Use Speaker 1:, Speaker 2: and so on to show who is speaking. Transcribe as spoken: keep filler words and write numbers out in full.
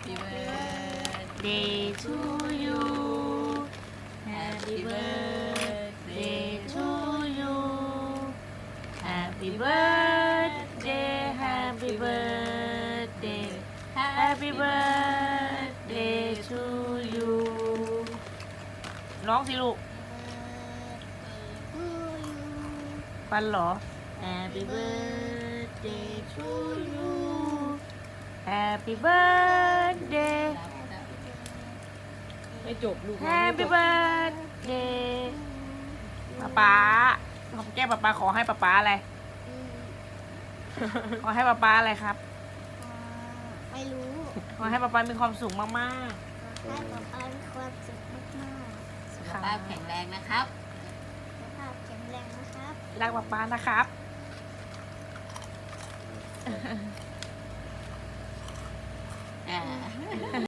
Speaker 1: Happy birthday to you Happy birthday to you Happy birthday Happy birthday Happy birthday to you ร้องสิลูกฟันเหรอ Happy birthday to you Happy birthday
Speaker 2: ไม่จบลูก
Speaker 1: Happy birthday ป๊าป๊าขอแก้ป๊าป๊าขอให้ป๊าป๊าอะไร ขอให้ป๊าป๊าอะไรครับ
Speaker 3: ไม่รู้
Speaker 1: ขอให้ป๊าป๊ามีความสุขมาก
Speaker 3: ให้ป๊าป๊ามีความสุขมาก
Speaker 1: ๆ
Speaker 2: สุขภาพแข็งแรงนะครับ
Speaker 3: ๆสุขภาพแข็งแรงนะครับ
Speaker 1: รักป๊าป๊านะครับ
Speaker 2: อ่า